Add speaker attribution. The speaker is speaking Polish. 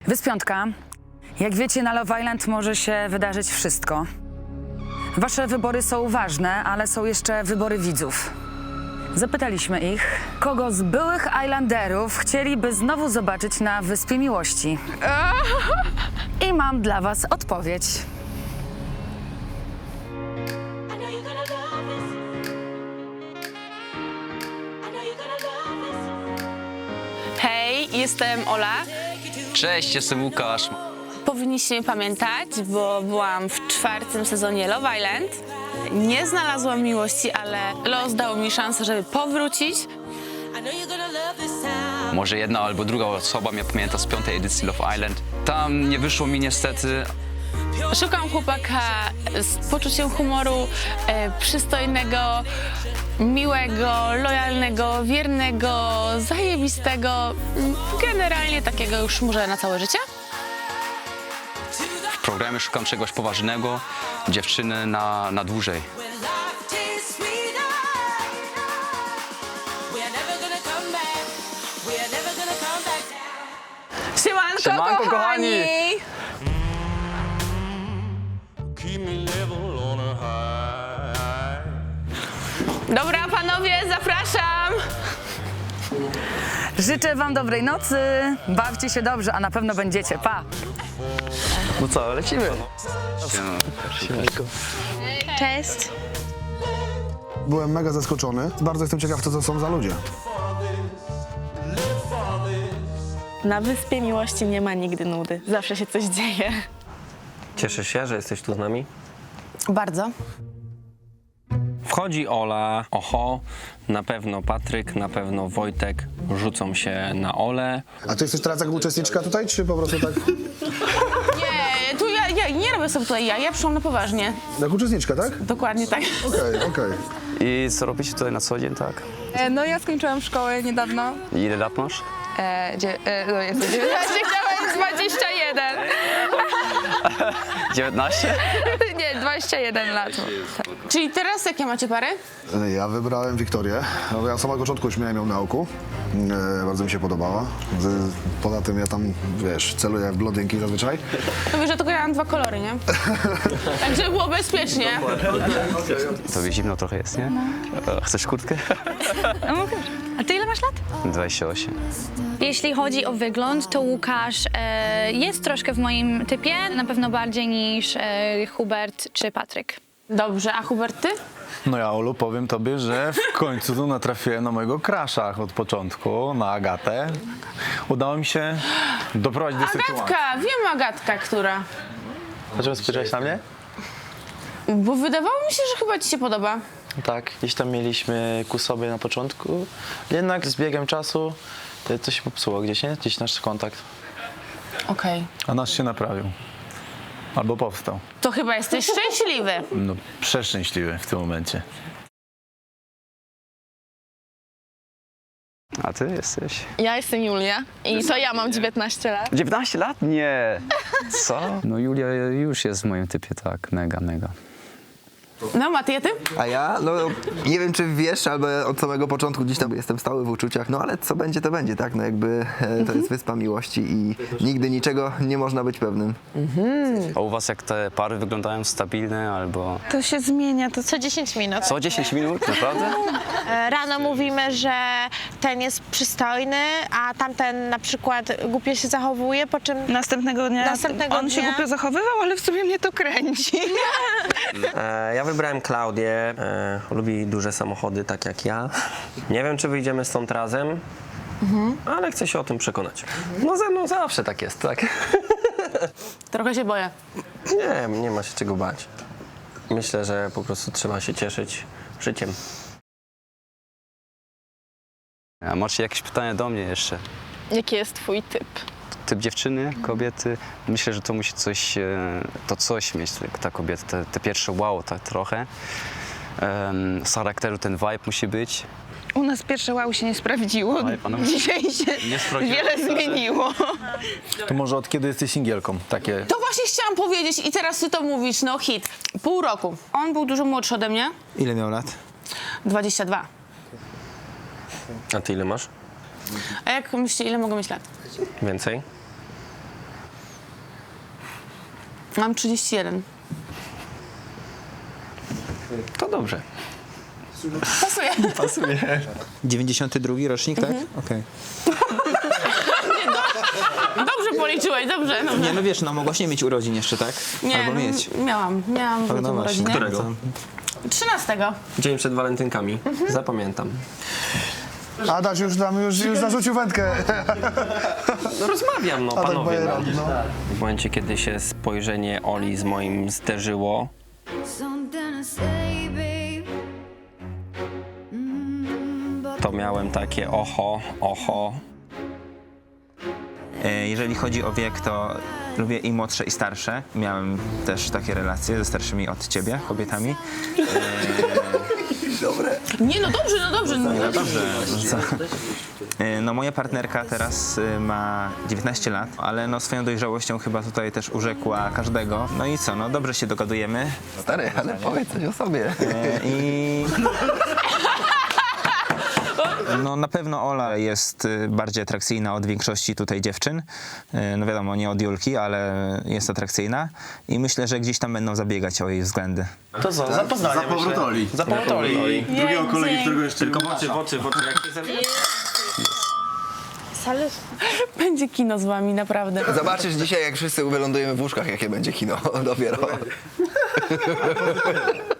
Speaker 1: Wyspiątka. Jak wiecie, na Love Island może się wydarzyć wszystko. Wasze wybory są ważne, ale są jeszcze wybory widzów. Zapytaliśmy ich, kogo z byłych Islanderów chcieliby znowu zobaczyć na Wyspie Miłości. I mam dla was odpowiedź.
Speaker 2: Hej, jestem Ola.
Speaker 3: Cześć, jestem Łukasz.
Speaker 2: Powinniście mnie pamiętać, bo byłam w 4. sezonie Love Island. Nie znalazłam miłości, ale los dał mi szansę, żeby powrócić.
Speaker 3: Może jedna albo druga osoba mnie pamięta z 5. edycji Love Island. Tam nie wyszło mi niestety.
Speaker 2: Szukam chłopaka z poczuciem humoru, przystojnego, miłego, lojalnego, wiernego, zajebistego. Generalnie takiego już może na całe życie.
Speaker 3: W programie szukam czegoś poważnego, dziewczyny na dłużej.
Speaker 2: Siemanko,
Speaker 3: Siemanko,
Speaker 2: kochani! Dobra, panowie, zapraszam!
Speaker 1: Życzę wam dobrej nocy, bawcie się dobrze, a na pewno będziecie. Pa!
Speaker 4: No co, lecimy.
Speaker 2: Cześć.
Speaker 5: Byłem mega zaskoczony. Bardzo jestem ciekaw, co to są za ludzie.
Speaker 6: Na Wyspie Miłości nie ma nigdy nudy. Zawsze się coś dzieje.
Speaker 4: Cieszysz się, że jesteś tu z nami?
Speaker 2: Bardzo.
Speaker 7: Wchodzi Ola, oho, na pewno Patryk, na pewno Wojtek rzucą się na Olę.
Speaker 5: A ty jesteś teraz jako uczestniczka tutaj, czy po prostu tak?
Speaker 2: Nie, tu ja nie robię sobie tutaj ja przyszłam na poważnie.
Speaker 5: Jak uczestniczka, tak?
Speaker 2: Dokładnie tak.
Speaker 5: Okej.
Speaker 3: I co robicie tutaj na co dzień, tak?
Speaker 8: No ja skończyłam szkołę niedawno.
Speaker 3: I ile lat masz?
Speaker 8: No jestem 19.
Speaker 2: Chciałam 21.
Speaker 3: 19?
Speaker 8: Nie, 21 lat.
Speaker 2: Czyli teraz jakie macie pary?
Speaker 5: Ja wybrałem Wiktorię. No, ja od samego początku już miałem ją na oku. Bardzo mi się podobała. Poza tym ja tam, wiesz, celuję w blondynki zazwyczaj.
Speaker 2: No wiesz, że tylko ja mam 2 kolory, nie? Tak, żeby było bezpiecznie.
Speaker 3: Tobie zimno trochę jest, nie? Chcesz kurtkę?
Speaker 8: A ty ile masz lat?
Speaker 3: 28.
Speaker 9: Jeśli chodzi o wygląd, to Łukasz jest troszkę w moim typie, na pewno bardziej niż Hubert czy Patryk.
Speaker 2: Dobrze, a Hubert, ty?
Speaker 10: No ja, Olu, powiem tobie, że w końcu tu natrafiłem na mojego crusha od początku, na Agatę. Udało mi się doprowadzić do sytuacji.
Speaker 2: Agatka, wiem Agatka, która.
Speaker 4: Dlaczego spojrzałeś na mnie?
Speaker 2: Bo wydawało mi się, że chyba ci się podoba.
Speaker 4: Tak, gdzieś tam mieliśmy ku sobie na początku. Jednak z biegiem czasu to się popsuło gdzieś, nie? Gdzieś nasz kontakt.
Speaker 2: Okej.
Speaker 10: A nasz się naprawił. Albo powstał.
Speaker 2: To chyba jesteś szczęśliwy.
Speaker 10: No, przeszczęśliwy w tym momencie.
Speaker 3: A ty jesteś?
Speaker 6: Ja jestem Julia i to ja mam 19 lat.
Speaker 3: 19 lat? Nie. Co? No Julia już jest w moim typie, tak. Mega.
Speaker 2: No, Maty, a ty?
Speaker 11: A ja? No nie wiem, czy wiesz, albo od samego początku gdzieś tam jestem stały w uczuciach, no ale co będzie, to będzie, tak? No jakby to jest Wyspa Miłości i nigdy niczego nie można być pewnym.
Speaker 3: A u was jak te pary wyglądają stabilne albo...
Speaker 8: To się zmienia, to
Speaker 6: Co 10 minut.
Speaker 3: Co, 10 minut? Naprawdę?
Speaker 6: Rano mówimy, że ten jest przystojny, a tamten na przykład głupio się zachowuje, po czym
Speaker 8: następnego dnia on się głupio zachowywał, ale w sumie mnie to kręci.
Speaker 12: Ja wybrałem Klaudię, lubi duże samochody, tak jak ja. Nie wiem, czy wyjdziemy stąd razem, ale chcę się o tym przekonać. No ze mną zawsze tak jest, tak?
Speaker 2: Trochę się boję.
Speaker 12: Nie ma się czego bać. Myślę, że po prostu trzeba się cieszyć życiem.
Speaker 3: A macie jakieś pytania do mnie jeszcze?
Speaker 6: jaki jest twój typ?
Speaker 3: Typ dziewczyny, kobiety? Myślę, że to musi coś mieć, ta kobieta, te pierwsze wow, tak trochę. Z charakteru ten vibe musi być.
Speaker 8: U nas pierwsze wow się nie sprawdziło. Dzisiaj się wiele zmieniło.
Speaker 10: To może od kiedy jesteś singielką? Takie...
Speaker 2: To właśnie chciałam powiedzieć i teraz ty to mówisz, no hit. Pół roku. On był dużo młodszy ode mnie.
Speaker 11: Ile miał lat?
Speaker 2: 22.
Speaker 12: A ty ile masz?
Speaker 2: A jak myślicie, ile mogę mieć lat?
Speaker 12: Więcej?
Speaker 2: Mam 31.
Speaker 12: To dobrze.
Speaker 2: Pasuje.
Speaker 13: Pasuje. 92 rocznik, tak? Okej.
Speaker 2: Dobrze policzyłeś, dobrze.
Speaker 13: Nie, no wiesz, no mogłaś nie mieć urodzin jeszcze, tak?
Speaker 2: Nie,
Speaker 13: Albo mieć.
Speaker 2: Miałam w
Speaker 13: No właśnie.
Speaker 2: urodziny.
Speaker 12: Którego?
Speaker 2: 13.
Speaker 12: Dzień przed walentynkami. Zapamiętam.
Speaker 5: Adaś już zarzucił wędkę.
Speaker 12: No rozmawiam, no
Speaker 5: Adaś
Speaker 12: panowie.
Speaker 5: Bajeran, no.
Speaker 7: W momencie, kiedy się spojrzenie Oli z moim zderzyło, to miałem takie oho.
Speaker 13: Jeżeli chodzi o wiek, to lubię i młodsze, i starsze. Miałem też takie relacje ze starszymi od ciebie, kobietami.
Speaker 2: Nie, no dobrze.
Speaker 13: No dobrze. Co? No moja partnerka teraz ma 19 lat, ale no swoją dojrzałością chyba tutaj też urzekła każdego. No i co, no dobrze się dogadujemy.
Speaker 11: Stary, ale powiedz coś o sobie.
Speaker 13: I... No na pewno Ola jest bardziej atrakcyjna od większości tutaj dziewczyn. No wiadomo, nie od Julki, ale jest atrakcyjna. I myślę, że gdzieś tam będą zabiegać o jej względy.
Speaker 4: To co, za Poznanie,
Speaker 10: Za powrót Oli.
Speaker 4: Za powrót Oli.
Speaker 10: Drugiego kolegi, którego jeszcze
Speaker 12: Tylko w oczy, jak się
Speaker 2: Będzie kino z wami, naprawdę.
Speaker 11: Zobaczysz dzisiaj, jak wszyscy wylądujemy w łóżkach, jakie będzie kino dopiero.